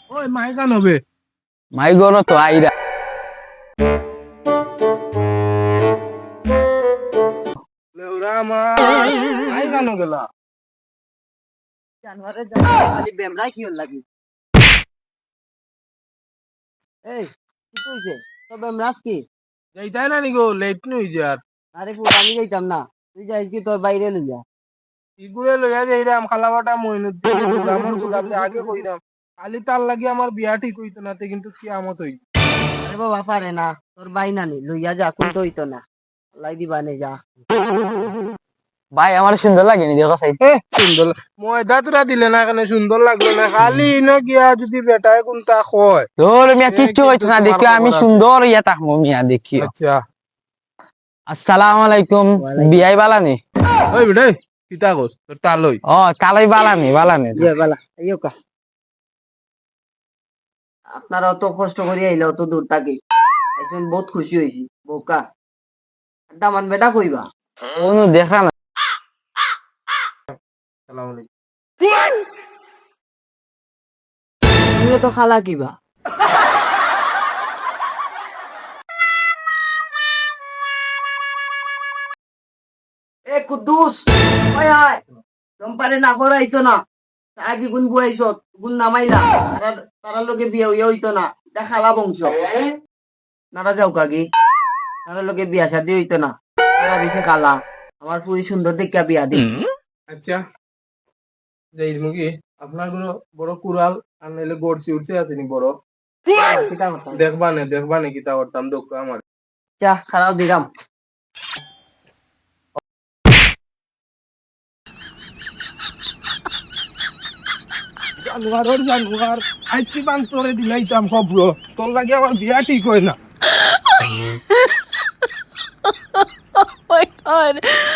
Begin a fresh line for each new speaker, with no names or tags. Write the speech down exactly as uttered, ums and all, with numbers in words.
ওই মাই গান হবে
মাই গণ তো আইরা
লেউরা আমার মাই গান গেলা
জানোয়ারের জানোয়ার খালি বেমরাই কি লাগি এই কি কইছে তো বেমরাস কি
যাইতাই না নিগো লেট নই যার
আরে পুরা আমি যাইতাম না তুই যাইস কি তোর বাইরে লই যা
ইগুলে লইয়া যাইরাম খালাবাটা মইনুদ্দিন গুলামর গুলাতে আগে কইরাম খালি তার লাগি আমার বিয়া ঠিক হইতো না তে কিন্তু কিয়ামত হই
আরে বাবা পারে না তোর বাই নানি লইয়া যা কোন তো হইতো না লাই দিবা নে যা
ভাই আমার সুন্দর লাগেনি দেখো সাই
এ সুন্দর ময়দা তুরা দিলে না কেন সুন্দর লাগলো না খালি ইনো গিয়া যদি বেটায় কোনটা কয়
তোর মিয়া কিচ্ছু হইতো না দেখি আমি সুন্দর ইয়া তাকমু মিয়া দেখি
আচ্ছা
আসসালামু আলাইকুম বিয়াই বালানি
ওই বেটা কিতা কস তোর তালই
ও কালাই বালানি বালানি
ইয়ে বালা আইও কা আপনারা অত কষ্ট করে আইলে অত দূর থাকি এখন বহুত খুশি হইছি বোকা আড্ডা মান বেটা কইবা
কোনো দেখা না
আসসালামু আলাইকুম
তুমিও তো খালা কিবা এ কুদ্দুস ওই আয় তোমারে না করাইতো না আগে গুন বুয়াইছো গুন নামাইলা তারা তারা লোকে বিয়ে হইয়া হইতো না এটা খালা বংশ নারা যাও কাকি তারা লোকে বিয়া শাদি হইতো না তারা বেশি খালা আমার পুরি সুন্দর দেখিয়া বিয়া দি
আচ্ছা যাই মুগি আপনার কোনো বড় কুড়াল আর নাইলে গড়ছি উঠছে আছে নি বড়
কিতা কথা
দেখবা নে দেখবা নে কিতা করতাম দোক আমার
চা খারাপ দিলাম
জানুয়ারের জানুয়ার আইছি বান তোরে দিলাইতাম খবর তোর লাগে আমার বিয়া ঠিক হয় না
Oh my god.